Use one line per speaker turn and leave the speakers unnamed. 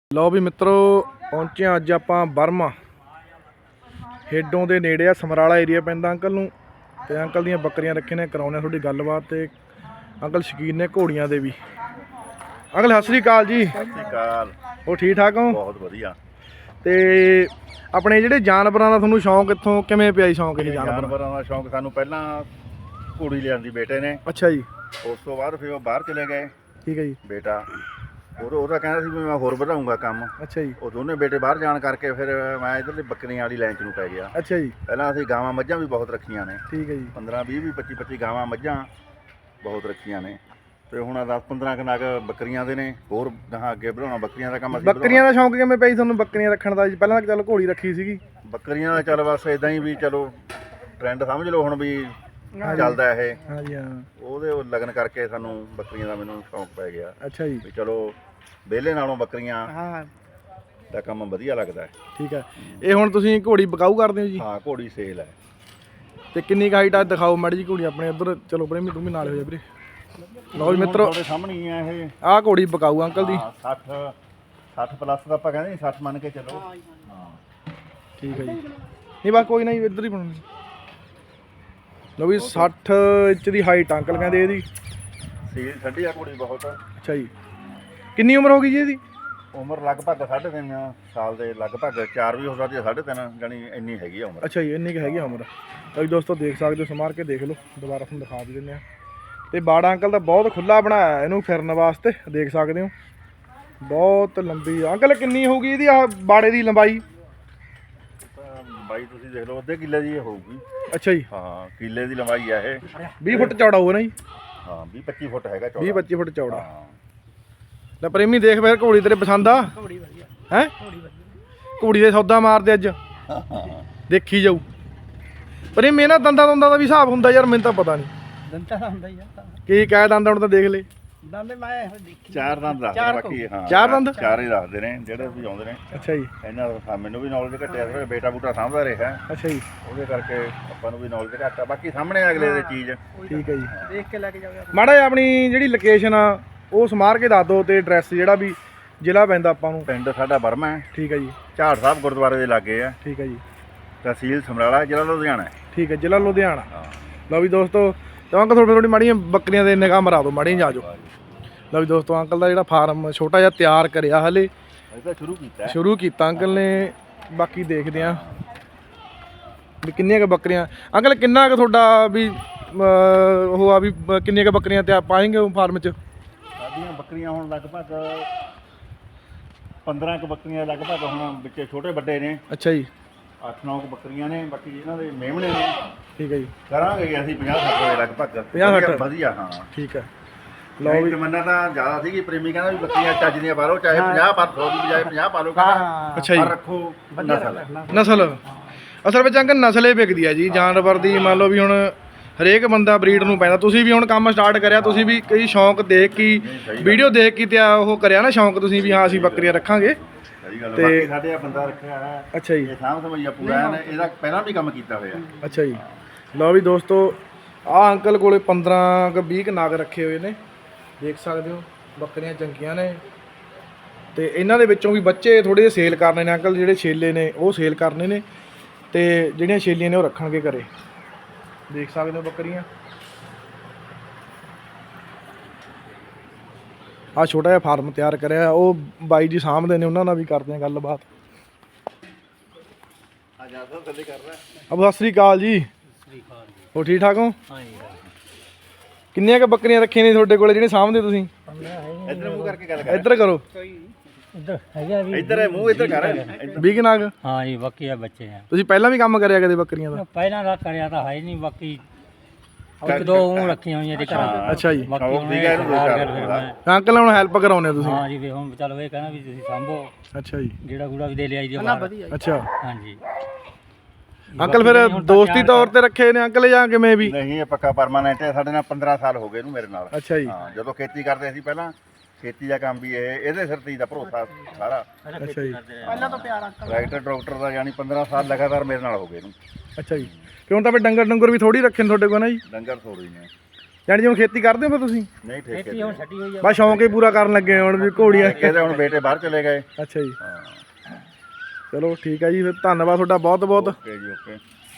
ਲਓ ਵੀ ਮਿੱਤਰੋ ਪਹੁੰਚੇ ਹਾਂ ਅੱਜ ਆਪਾਂ ਬਰਮਾ ਹੇਡੋਂ ਦੇ ਨੇੜੇ ਆ ਸਮਰਾਲਾ ਏਰੀਆ ਪੈਂਦਾ ਅੰਕਲ ਨੂੰ। ਤੇ ਅੰਕਲ ਦੀਆਂ ਬੱਕਰੀਆਂ ਰੱਖੇ ਨੇ, ਕਰਾਉਣੇ ਤੁਹਾਡੀ ਗੱਲਬਾਤ। ਤੇ ਅੰਕਲ ਸ਼ੌਕੀਨ ਨੇ ਘੋੜੀਆਂ ਦੇ ਵੀ। ਅੰਕਲ ਸਤਿ ਸ੍ਰੀ ਅਕਾਲ ਜੀ।
ਸਤਿ ਸ਼੍ਰੀ ਅਕਾਲ।
ਉਹ ਠੀਕ ਠਾਕ ਹੋ?
ਬਹੁਤ ਵਧੀਆ।
ਤੇ ਆਪਣੇ ਜਿਹੜੇ ਜਾਨਵਰਾਂ ਦਾ ਤੁਹਾਨੂੰ ਸ਼ੌਂਕ ਕਿੱਥੋਂ ਕਿਵੇਂ ਪਿਆ ਜੀ? ਸ਼ੌਂਕ ਇਹ
ਜਾਨਵਰਾਂ ਦਾ ਸ਼ੌਂਕ ਸਾਨੂੰ ਪਹਿਲਾਂ ਘੋੜੀ ਲਿਆਂਦੀ ਬੇਟੇ ਨੇ।
ਅੱਛਾ ਜੀ।
ਉਸ ਤੋਂ ਬਾਅਦ ਫਿਰ ਉਹ ਬਾਹਰ ਚਲੇ ਗਏ।
ਠੀਕ ਹੈ ਜੀ।
ਬੇਟਾ ਉਹਦਾ ਕਹਿੰਦਾ ਸੀ ਵੀ ਮੈਂ ਹੋਰ ਵਧਾਊਂਗਾ ਕੰਮ। ਅੱਛਾ ਜੀ। ਉਹ ਦੋਨੇ ਬੇਟੇ ਬਾਹਰ ਜਾਣ ਕਰਕੇ ਫਿਰ ਮੈਂ ਇੱਧਰਲੀ ਬੱਕਰੀਆਂ ਵਾਲੀ ਲਾਈਨ 'ਚ ਨੂੰ ਪੈ ਗਿਆ।
ਅੱਛਾ ਜੀ।
ਪਹਿਲਾਂ ਅਸੀਂ ਗਾਵਾਂ ਮੱਝਾਂ ਵੀ ਬਹੁਤ ਰੱਖੀਆਂ ਨੇ।
ਠੀਕ ਹੈ ਜੀ।
15 20 25 ਗਾਵਾਂ ਮੱਝਾਂ ਬਹੁਤ ਰੱਖੀਆਂ ਨੇ। ਤੇ ਹੁਣ 10 15 ਕਨਾਕ ਬੱਕਰੀਆਂ ਦੇ ਨੇ। ਹੋਰ ਗਾਹਾਂ ਅੱਗੇ ਵਧਾਉਣਾ ਬੱਕਰੀਆਂ ਦਾ ਕੰਮ।
ਬੱਕਰੀਆਂ ਦਾ ਸ਼ੌਂਕ ਕਿਵੇਂ ਪਿਆ ਤੁਹਾਨੂੰ ਬੱਕਰੀਆਂ ਰੱਖਣ ਦਾ ਜੀ? ਪਹਿਲਾਂ ਤਾਂ ਚਲੋ ਘੋੜੀ ਰੱਖੀ ਸੀਗੀ।
ਬੱਕਰੀਆਂ ਦਾ ਚੱਲ ਬਸ ਇਦਾਂ ਹੀ ਵੀ ਚਲੋ ਟ੍ਰੈਂਡ ਸਮਝ ਲਓ ਹੁਣ ਵੀ ਚੱਲਦਾ ਇਹ। ਹਾਂਜੀ ਹਾਂ। ਉਹਦੇ ਲਗਨ ਕਰਕੇ ਸਾਨੂੰ ਬੱਕਰੀਆਂ ਦਾ ਮੈਨੂੰ ਸ਼ੌਂਕ ਪੈ ਗਿਆ। ਅੱਛਾ ਜੀ। ਵੀ ਚਲੋ ਵਿਹਲੇ ਨਾਲੋਂ ਬੱਕਰੀਆਂ ਦਾ ਕੰਮ ਵਧੀਆ ਲੱਗਦਾ ਹੈ।
ਠੀਕ ਹੈ। ਇਹ ਹੁਣ ਤੁਸੀਂ ਘੋੜੀ ਬਕਾਊ ਕਰਦੇ ਹੋ ਜੀ?
ਹਾਂ ਘੋੜੀ ਸੇਲ ਹੈ। ਤੇ
ਕਿੰਨੀ ਹਾਈਟ ਆ ਦਿਖਾਓ ਮਾੜੀ ਜੀ ਘੋੜੀ ਆਪਣੇ ਇੱਧਰ। ਚਲੋ ਪ੍ਰੇਮੀ ਤੂੰ ਵੀ ਨਾਲ ਹੋ ਜਾ ਵੀਰੇ। ਲਓ ਜੀ ਮਿੱਤਰੋ
ਤੁਹਾਡੇ ਸਾਹਮਣੇ ਹੀ ਆ ਇਹ।
ਆਹ ਘੋੜੀ ਬਕਾਊ ਅੰਕਲ ਦੀ।
60 ਪਲੱਸ ਦਾ ਆਪਾਂ ਕਹਿੰਦੇ 60 ਮੰਨ ਕੇ ਚੱਲੋ। ਹਾਂ
ਠੀਕ ਹੈ ਜੀ। ਨਹੀਂ ਬਸ ਕੋਈ ਨਾ ਜੀ, ਇੱਧਰ ਹੀ ਬਣਾਉਣੀ। ਲਓ ਵੀ 60 ਇੰਚ ਦੀ ਹਾਈਟ ਅੰਕਲ ਕਹਿੰਦੇ ਇਹਦੀ।
ਸੇਲ ਛੱਡੀ ਆ ਘੋੜੀ ਬਹੁਤ।
ਅੱਛਾ ਜੀ। ਕਿੰਨੀ ਉਮਰ ਹੋ ਗਈ ਜੀ ਇਹਦੀ?
ਉਮਰ ਲਗਭਗ 3.5 ਸਾਲ ਦੇ ਲਗਭਗ। 4 ਵੀ ਹੋ ਸਕਦੀ ਹੈ, 3.5 ਜਾਨੀ ਇੰਨੀ ਹੈਗੀ ਆ ਉਮਰ।
ਅੱਛਾ ਜੀ, ਇੰਨੀ ਕੁ ਹੈਗੀ ਆ ਉਮਰ। ਤਾਂ ਜੀ ਦੋਸਤੋ ਦੇਖ ਸਕਦੇ ਹੋ, ਸਮਾਰ ਕੇ ਦੇਖ ਲਓ। ਦੁਬਾਰਾ ਤੁਹਾਨੂੰ ਦਿਖਾ ਵੀ ਦਿੰਦੇ ਆ। ਤੇ ਬਾੜਾ ਅੰਕਲ ਦਾ ਬਹੁਤ ਖੁੱਲਾ ਬਣਾਇਆ ਇਹਨੂੰ ਫਿਰਨ ਵਾਸਤੇ, ਦੇਖ ਸਕਦੇ ਹੋ। ਬਹੁਤ ਲੰਬੀ ਅੰਕਲ ਕਿੰਨੀ ਹੋਊਗੀ ਇਹਦੀ ਆ ਬਾੜੇ ਦੀ ਲੰਬਾਈ?
ਲੰਬਾਈ ਤੁਸੀਂ ਦੇਖ ਲਓ ਅੱਧੇ ਕਿੱਲੇ ਦੀ ਹੋਊਗੀ।
ਅੱਛਾ ਜੀ।
ਹਾਂ ਕਿੱਲੇ ਦੀ ਲੰਬਾਈ ਆ ਇਹ।
20 ਫੁੱਟ ਚੌੜਾ ਹੋਊਗਾ ਨਾ ਜੀ?
ਹਾਂ 20 25 ਫੁੱਟ ਹੈਗਾ ਚੌੜਾ।
20 25 ਫੁੱਟ ਚੌੜਾ। ਲੈ ਪ੍ਰੇਮੀ ਦੇਖ ਫਿਰ ਘੋੜੀ ਤੇਰੇ ਪਸੰਦ ਆ? ਘੋੜੀ ਵਧੀਆ ਹੈ। ਘੋੜੀ ਦੇ ਸੌਦਾ ਮਾਰਦੇ ਅੱਜ ਦੇਖੀ ਜਾਊ। ਪ੍ਰੇਮੀ ਇਹਨਾਂ ਦੰਦਾਂ ਦਾ ਵੀ ਹਿਸਾਬ ਹੁੰਦਾ ਯਾਰ? ਮੈਨੂੰ ਤਾਂ ਪਤਾ ਨਹੀਂ।
ਦੰਦਾਂ ਦਾ ਹੁੰਦਾ ਹੀ ਆ।
ਕੀ ਕਹਿ ਦੰਦ ਹੁਣ ਤਾਂ ਦੇਖ ਲੈ।
ਦੰਦ ਮੈਂ ਦੇਖੀ
4 ਦੰਦ ਦੱਸਦੇ ਬਾਕੀ। ਹਾਂ
4 ਦੰਦ?
4 ਹੀ ਦੱਸਦੇ ਨੇ ਜਿਹੜੇ ਵੀ ਆਉਂਦੇ ਨੇ।
ਅੱਛਾ ਜੀ।
ਇਹਨਾਂ ਦਾ ਮੈਨੂੰ ਵੀ ਨੌਲੇਜ ਘੱਟਿਆ ਸੀ, ਬੇਟਾ ਬੂਟਾ ਸਾਂਭਦਾ ਰਿਹਾ।
ਅੱਛਾ ਜੀ।
ਉਹਦੇ ਕਰਕੇ ਆਪਾਂ ਨੂੰ ਵੀ ਨੌਲੇਜ ਘੱਟ ਆ। ਬਾਕੀ ਸਾਹਮਣੇ ਅਗਲੇ ਦੇ ਚੀਜ਼।
ਠੀਕ ਹੈ ਜੀ।
ਦੇਖ ਕੇ ਲੈ ਕੇ ਜਾਓ।
ਮਾੜਾ ਜਿਹਾ ਆਪਣੀ ਜਿਹੜੀ ਲੋਕੇਸ਼ਨ ਆ ਉਹ ਸਮਾਰ ਕੇ ਦੱਸ ਦਿਓ, ਤੇ ਐਡਰੈਸ ਜਿਹੜਾ ਵੀ ਜ਼ਿਲ੍ਹਾ ਪੈਂਦਾ ਆਪਾਂ ਨੂੰ।
ਪਿੰਡ ਸਾਡਾ ਬਰਮਾ ਹੈ।
ਠੀਕ ਹੈ ਜੀ।
ਝਾੜ ਸਾਹਿਬ ਗੁਰਦੁਆਰੇ ਦੇ ਲਾਗੇ ਆ।
ਠੀਕ ਹੈ ਜੀ।
ਤਹਿਸੀਲ ਸਮਰਾਲਾ, ਜ਼ਿਲ੍ਹਾ ਲੁਧਿਆਣਾ।
ਠੀਕ ਹੈ, ਜ਼ਿਲ੍ਹਾ ਲੁਧਿਆਣਾ। ਲਓ ਵੀ ਦੋਸਤੋ ਤਾਂ ਅੰਕਲ ਥੋੜੀ ਮਾੜੀਆਂ ਬੱਕਰੀਆਂ ਦੇ ਨਿਗਾਹ ਮਰਾ ਦਿਓ, ਮਾੜੀਆਂ ਜਾ ਜਾਓ। ਲਓ ਵੀ ਦੋਸਤੋ ਅੰਕਲ ਦਾ ਜਿਹੜਾ ਫਾਰਮ ਛੋਟਾ ਜਿਹਾ ਤਿਆਰ ਕਰਿਆ ਹਲੇ ਸ਼ੁਰੂ ਕੀਤਾ ਅੰਕਲ ਨੇ। ਬਾਕੀ ਦੇਖਦੇ ਆ ਵੀ ਕਿੰਨੀਆਂ ਕੁ ਬੱਕਰੀਆਂ। ਅੰਕਲ ਕਿੰਨਾ ਕੁ ਤੁਹਾਡਾ ਵੀ ਉਹ ਆ ਵੀ ਕਿੰਨੀਆਂ ਕੁ ਬੱਕਰੀਆਂ ਤੇ ਪਾਏਂਗੇ ਫਾਰਮ 'ਚ?
ਸਾਡੀਆਂ ਬੱਕਰੀਆਂ ਹੁਣ ਲਗਭਗ 15 ਕੁ ਬੱਕਰੀਆਂ ਲਗਭਗ ਹੁਣ ਵਿੱਚ ਛੋਟੇ ਵੱਡੇ ਨੇ। ਅੱਛਾ ਜੀ। 8-9 ਬੱਕਰੀਆਂ ਨੇ। ਬਾਕੀ ਇਹਨਾਂ ਦੇ ਮੇਮਣੇ ਨੇ। ਠੀਕ ਹੈ ਜੀ। ਕਰਾਂਗੇ ਅਸੀਂ 50-60 ਦੇ ਲਗਭਗ। 50-60 ਵਧੀਆ। ਹਾਂ ਠੀਕ ਹੈ। ਲਓ ਵੀ ਤਮੰਨਾ ਤਾਂ ਜ਼ਿਆਦਾ ਸੀਗੀ। ਪ੍ਰੇਮੀ ਕਹਿੰਦਾ ਵੀ ਬੱਕਰੀਆਂ ਚੱਜ ਦੀਆਂ ਪਾ ਲਓ, ਚਾਹੇ 50 ਪਰ 100 ਦੀ ਬਜਾਏ 50 ਪਾ ਲਓ।
ਅੱਛਾ ਜੀ।
ਰੱਖੋ
ਨਸਲ ਅਸਲ ਵਿੱਚ ਅੰਕਲ ਨਸਲ ਹੀ ਵਿਕਦੀ ਆ ਜੀ ਜਾਨਵਰ ਦੀ। ਮੰਨ ਲਓ ਵੀ ਹੁਣ ਹਰੇਕ ਬੰਦਾ ਬਰੀਡ ਨੂੰ ਪੈਂਦਾ। ਤੁਸੀਂ ਵੀ ਹੁਣ ਕੰਮ ਸਟਾਰਟ ਕਰਿਆ, ਤੁਸੀਂ ਵੀ ਕਈ ਸ਼ੌਂਕ ਦੇਖ ਕੇ ਵੀਡੀਓ ਦੇਖ ਕੇ ਤੇ ਉਹ ਕਰਿਆ ਨਾ ਸ਼ੌਂਕ ਤੁਸੀਂ ਵੀ ਹਾਂ ਅਸੀਂ ਬੱਕਰੀਆਂ ਰੱਖਾਂਗੇ।
ਤੇ ਸਾਡੇ ਆ ਬੰਦਾ ਰੱਖਿਆ ਹੈ। ਅੱਛਾ ਜੀ। ਇਹ ਸਾਂਭ ਸਮਝਿਆ ਪੂਰਾ ਹੈ। ਇਹਦਾ ਪਹਿਲਾਂ ਵੀ ਕੰਮ ਕੀਤਾ ਹੋਇਆ।
ਅੱਛਾ ਜੀ। ਲਓ ਵੀ ਦੋਸਤੋ ਆਹ ਅੰਕਲ ਕੋਲੇ 15 ਕੁ 20 ਨਾਗ ਰੱਖੇ ਹੋਏ ਨੇ, ਦੇਖ ਸਕਦੇ ਹੋ। ਬੱਕਰੀਆਂ ਚੰਗੀਆਂ ਨੇ। ਤੇ ਇਹਨਾਂ ਦੇ ਵਿੱਚੋਂ ਵੀ ਬੱਚੇ ਥੋੜੇ ਜਿਹੇ ਸੇਲ ਕਰਨੇ ਨੇ ਅੰਕਲ। ਜਿਹੜੇ ਛੇਲੇ ਨੇ ਉਹ ਸੇਲ ਕਰਨੇ ਨੇ, ਤੇ ਜਿਹੜੀਆਂ ਛੇਲੀਆਂ ਨੇ ਉਹ ਰੱਖਣਗੇ ਘਰੇ। ਦੇਖ ਸਕਦੇ ਹੋ ਬੱਕਰੀਆਂ। ਆਹ ਛੋਟਾ ਜਿਹਾ ਫਾਰਮ ਤਿਆਰ ਕਰਿਆ, ਉਹ ਬਾਈ ਜੀ ਸਾਂਭਦੇ ਨੇ, ਉਹਨਾਂ ਨਾਲ ਵੀ ਕਰਦੇ ਆ ਗੱਲਬਾਤ। ਅਬ ਸਤਿ ਸ੍ਰੀ ਅਕਾਲ ਜੀ। ਹੋ ਠੀਕ ਠਾਕ ਹੋ? ਕਿੰਨੀਆਂ ਕੁ ਬੱਕਰੀਆਂ ਰੱਖੀਆਂ ਨੇ ਤੁਹਾਡੇ ਕੋਲੇ ਜਿਹੜੇ ਸਾਂਭਦੇ ਤੁਸੀਂ?
ਇੱਧਰ ਮੂੰਹ ਕਰਕੇ ਗੱਲ ਕਰ।
ਇੱਧਰ ਕਰੋ।
ਇੱਧਰ ਹੈਗਾ ਵੀ।
ਇੱਧਰ ਮੂੰਹ ਇੱਧਰ ਕਰ।
20 ਨਾਗ?
ਹਾਂ ਜੀ, ਬਾਕੀ ਆ ਬੱਚੇ ਆ।
ਤੁਸੀਂ ਪਹਿਲਾਂ ਵੀ ਕੰਮ ਕਰਿਆ ਕਦੇ ਬੱਕਰੀਆਂ ਦਾ?
ਪਹਿਲਾਂ ਦਾ ਕਰਿਆ ਤਾਂ ਹੈ ਨਹੀਂ। ਬਾਕੀ ਇੱਕ ਦੋ ਉਹ ਰੱਖੀਆਂ ਹੋਈਆਂ ਤੇ ਘਰਾਂ।
ਅੱਛਾ ਜੀ।
ਬਾਕੀ ਹੁਣ
ਅੰਕਲ ਹੁਣ ਹੈਲਪ ਕਰਾਉਣੇ ਤੁਸੀਂ?
ਹਾਂ ਜੀ। ਵੀ ਹੁਣ ਚਲੋ ਇਹ ਕਹਿੰਦਾ ਵੀ ਤੁਸੀਂ ਸਾਂਭੋ।
ਅੱਛਾ ਜੀ।
ਗੇੜਾ ਗੂੜਾ ਵੀ ਦੇ ਲਿਆਈ ਦੀ ਬਾਹਰ।
ਅੱਛਾ।
ਹਾਂਜੀ
ਅੰਕਲ ਫਿਰ ਦੋਸਤੀ ਤੌਰ ਤੇ ਰੱਖੇ ਨੇ ਅੰਕਲ ਜਾਂ ਕਿਵੇਂ ਵੀ?
ਨਹੀਂ ਇਹ ਪੱਕਾ ਪਰਮਾਨੈਂਟ ਹੈ। ਸਾਡੇ ਨਾਲ 15 ਸਾਲ ਹੋ ਗਏ ਇਹਨੂੰ ਮੇਰੇ ਨਾਲ।
ਅੱਛਾ ਜੀ।
ਹਾਂ ਜਦੋਂ ਖੇਤੀ ਕਰਦੇ ਸੀ ਪਹਿਲਾਂ, ਖੇਤੀ ਦਾ ਕੰਮ ਵੀ ਇਹਦੇ ਸਿਰ ਤੇ ਦਾ ਭਰੋਸਾ ਸਾਰਾ।
ਅੱਛਾ ਜੀ।
ਪਹਿਲਾਂ ਤਾਂ ਪਿਆਰ
ਟਰੈਕਟਰ ਡਾਕਟਰ ਦਾ ਯਾਨੀ 15 ਸਾਲ ਲਗਾਤਾਰ ਮੇਰੇ ਨਾਲ ਹੋ ਗਏ ਇਹਨੂੰ।
ਅੱਛਾ ਜੀ। ਕਿ ਹੁਣ ਤਾਂ ਫਿਰ ਡੰਗਰ ਵੀ ਥੋੜੀ ਰੱਖੇ ਨੇ ਤੁਹਾਡੇ ਕੋਲ ਨਾ ਜੀ?
ਡੰਗਰ ਥੋੜੀ ਨੇ।
ਜਾਣੀ ਹੁਣ ਖੇਤੀ ਕਰਦੇ ਹੋ ਫਿਰ ਤੁਸੀਂ?
ਨਹੀਂ ਠੇਕੇ
ਖੇਤੀ ਹੁਣ ਛੱਡੀ ਹੋਈ ਆ।
ਬਸ ਸ਼ੌਂਕ ਹੀ ਪੂਰਾ ਕਰਨ ਲੱਗੇ ਹੁਣ ਵੀ ਘੋੜੀਆਂ।
ਇਹਦੇ ਹੁਣ ਬੇਟੇ ਬਾਹਰ ਚਲੇ ਗਏ।
ਅੱਛਾ ਜੀ,
ਹਾਂ
ਚਲੋ ਠੀਕ ਹੈ ਜੀ, ਫਿਰ ਧੰਨਵਾਦ ਤੁਹਾਡਾ ਬਹੁਤ ਬਹੁਤ।
ਓਕੇ ਜੀ ਓਕੇ।